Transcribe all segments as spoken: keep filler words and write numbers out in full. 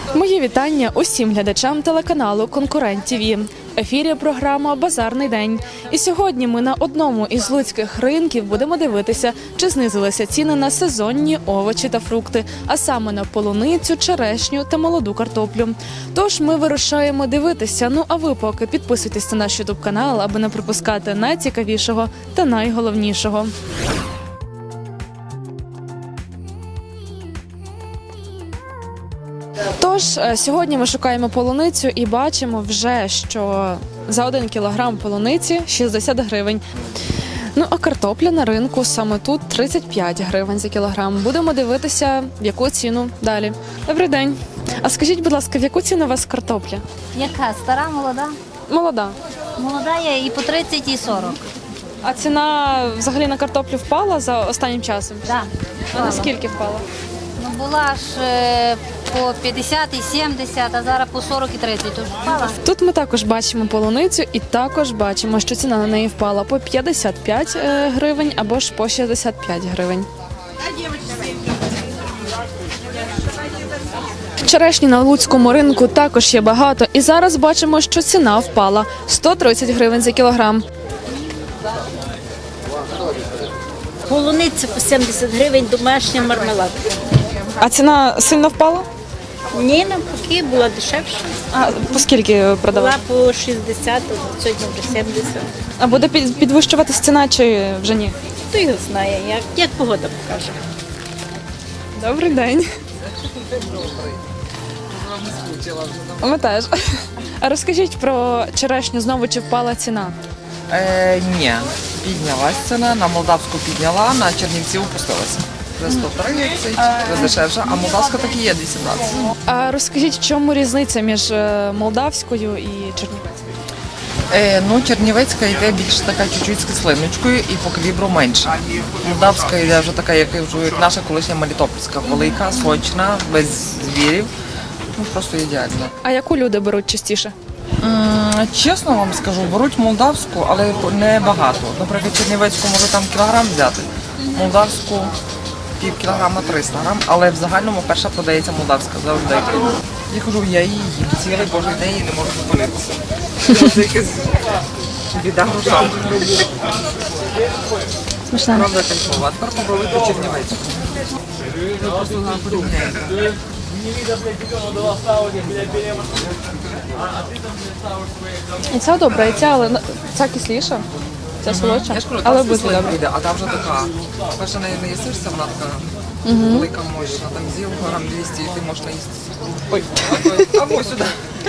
Мої вітання усім глядачам телеканалу «Конкурент ТІВІ». В ефірі програма «Базарний день». І сьогодні ми на одному із луцьких ринків будемо дивитися, чи знизилися ціни на сезонні овочі та фрукти, а саме на полуницю, черешню та молоду картоплю. Тож ми вирушаємо дивитися. Ну а ви поки підписуйтесь на наш ютуб канал, аби не пропускати найцікавішого та найголовнішого. Тож, сьогодні ми шукаємо полуницю і бачимо вже, що за один кілограм полуниці шістдесят гривень. Ну, а картопля на ринку саме тут тридцять п'ять гривень за кілограм. Будемо дивитися, в яку ціну далі. Добрий день. А скажіть, будь ласка, в яку ціну у вас картопля? Яка? Стара, молода? Молода. Молода є і по тридцять, і сорок. А ціна взагалі на картоплю впала за останнім часом? Так. А наскільки впала? Ну, була ж е, по п'ятдесят і сімдесят, а зараз по сорок і тридцять. Тож впала. Тут ми також бачимо полуницю і також бачимо, що ціна на неї впала по п'ятдесят п'ять гривень або ж по шістдесят п'ять гривень. Черешні на луцькому ринку також є багато, і зараз бачимо, що ціна впала – сто тридцять гривень за кілограм. Полуниця по сімдесят гривень, домашня мармеладка. А ціна сильно впала? Ні, навпаки, була дешевша. А по скільки продавали? Була по шістдесят, а сьогодні вже сімдесят. А буде під- підвищуватись ціна чи вже ні? Хто його знає, як, як погода покаже. Добрий день. Ми теж. А розкажіть про черешню знову, чи впала ціна? Е, ні, піднялась ціна, на молдавську підняла, на Чернівці опустилася. За сто тридцять, за дешевше, а молдавська так і є двісті двадцять. А розкажіть, в чому різниця між е, молдавською і чернівецькою? Е, ну, Чернівецька йде більш така чуть-чуть з кислиночкою і по калібру менше. Молдавська йде вже така, як, я кажу, як наша колишня Мелітопольська, велика, сочна, без звірів. Ну, просто ідеально. А яку люди беруть частіше? М, Чесно вам скажу, беруть молдавську, але не багато. Наприклад, чернівецьку може там кілограм взяти, молдавську пів кілограма триста грам, але в загальному перша продається молдавська завжди. Я кажу, я її їм цілий божий день і не можу зупинитися. Це якась біда грошам. Смачна. Правда, кайфова. Тепер попробуйте чернівецьку. Ви просто на порівняєте. І ця добра, і ця, але на- ця кисліша, ця солодша, Я ж кажу, але але буде добре. буде, а та вже така. Перша не, не їсишся, вона така велика, мощна. Там з'їв грам двісті і ти можеш наїстися. Ой. Або сюди.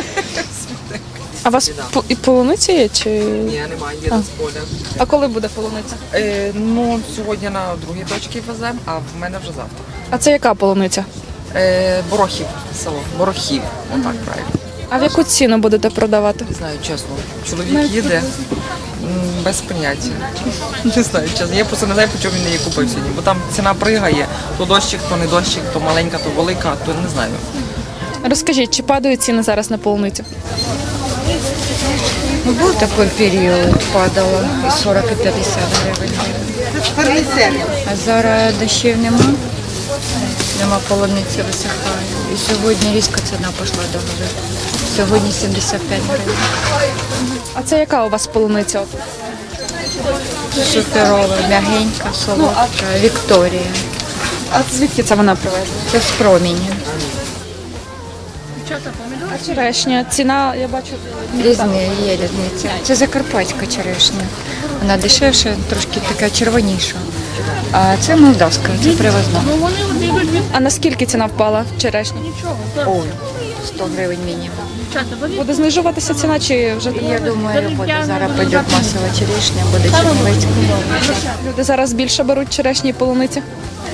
А у вас по- і полуниця є, чи? Ні, немає, є з поля. А коли буде полуниця? Е, ну, сьогодні на другій точці веземо, а в мене вже завтра. А це яка полуниця? Е, Борохів село. Борохів, отак правильно. А в яку ціну будете продавати? Не знаю, чесно. Чоловік їде м, без поняття. Не знаю, чесно. Я просто не знаю, по чому він її купив сьогодні. Бо там ціна пригає. То дощик, то не дощик, то маленька, то велика, то не знаю. Розкажіть, чи падають ціни зараз на полуницю? Ну, був такий період, падало і сорок і п'ятдесят гривень. А зараз дощів нема, нема полуниці, висихає. І сьогодні різко ціна пішла до гори. Сьогодні сімдесят п'ять гривень. А це яка у вас полуниця? Суперова, м'ягенька, солодка, Вікторія. А звідки це вона привезла? Це з проміння. А черешня, ціна, я бачу, Різні є різниця. Це закарпатська черешня. Вона дешевша, трошки така червоніша. А це молдавська, це привозна. а наскільки ціна впала черешні? Ой, сто гривень мінімум. Буде знижуватися ціна, чи вже Я думаю, буде. Зараз піде масова черешня, буде чернівецька. люди зараз більше беруть черешні і полуниці?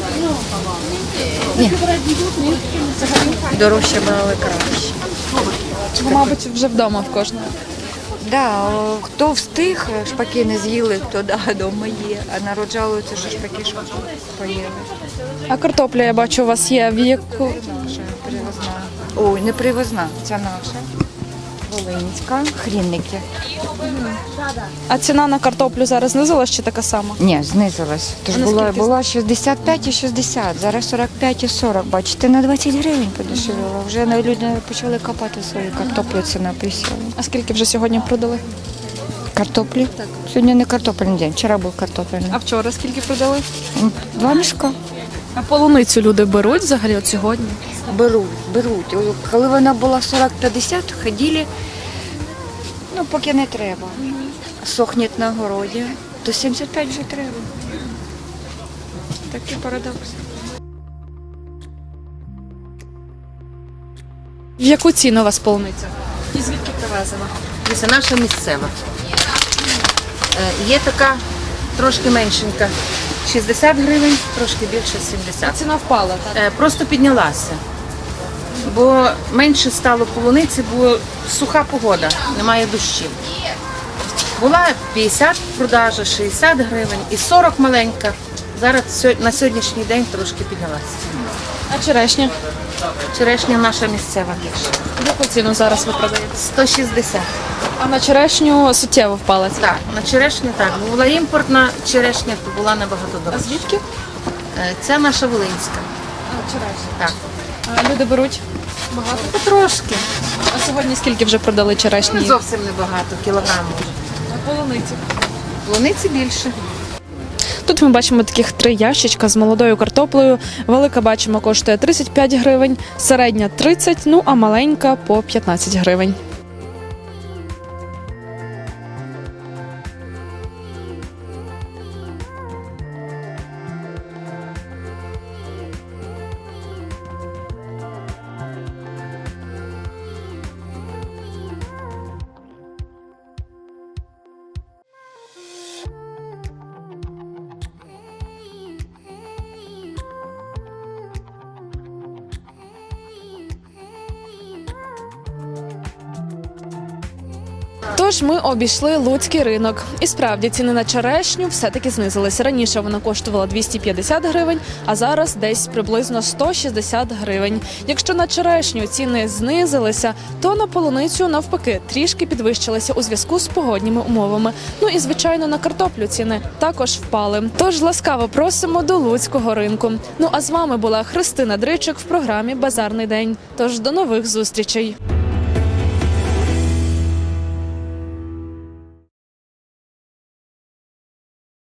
Дорожче брали краще. Бо, мабуть, вже вдома в кожного. Да, о, хто встиг, шпаки не з'їли, хто да, вдома є. А народ жалується, що шпаки що поїли. А картопля, я бачу, у вас є в яку... Наша привозна. Ой, не привозна, ця наша. Волинська, хрінники. А ціна на картоплю зараз знизилась чи така сама? Ні, знизилась. Тож А було, наскільки? було шістдесят п'ять і шістдесят, зараз сорок п'ять і сорок. Бачите, на двадцять гривень подешевіло. Вже на- люди почали копати свою картоплю, ціна присіла. А скільки вже сьогодні продали? Картоплі? Так. Сьогодні не картопельний день, вчора був картопельний. А вчора скільки продали? М, Два мішка. А полуницю люди беруть взагалі от сьогодні? Беруть, беруть. О, коли вона була сорок п'ятдесят, ходили, ну, поки не треба. Сохне на городі, то сімдесят п'ять вже треба. Такий парадокс. В яку ціну у вас полуниця? І звідки привезена? Це наша місцева. Е, Є така трошки меншенька, шістдесят гривень, трошки більше сімдесят. Ціна впала, так? Е, Просто піднялася. Бо менше стало полуниці, бо суха погода, немає дощів. Була п'ятдесят продажа, шістдесят гривень і сорок маленька. Зараз сьо- на сьогоднішній день трошки піднялася. А черешня? Черешня наша місцева більше. В яку ціну зараз ви продаєте? сто шістдесят. А на черешню суттєво впала ціна. Так, на черешню так. Бо була імпортна черешня, то була набагато А дорожча. звідки? Е, Це наша Волинська. А, черешня. Так. А люди беруть? Багато? Трошки. А сьогодні скільки вже продали черешні? Зовсім небагато, кілограм може. А полуниці? Полуниці більше. Тут ми бачимо таких три ящичка з молодою картоплею. Велика, бачимо, коштує тридцять п'ять гривень, середня тридцять, ну а маленька по п'ятнадцять гривень. Тож ми обійшли Луцький ринок. І справді ціни на черешню все-таки знизилися. Раніше вона коштувала двісті п'ятдесят гривень, а зараз десь приблизно сто шістдесят гривень. Якщо на черешню ціни знизилися, то на полуницю навпаки трішки підвищилися у зв'язку з погодніми умовами. Ну і звичайно на картоплю ціни також впали. Тож ласкаво просимо до Луцького ринку. Ну а з вами була Христина Дричик в програмі Базарний день. Тож до нових зустрічей.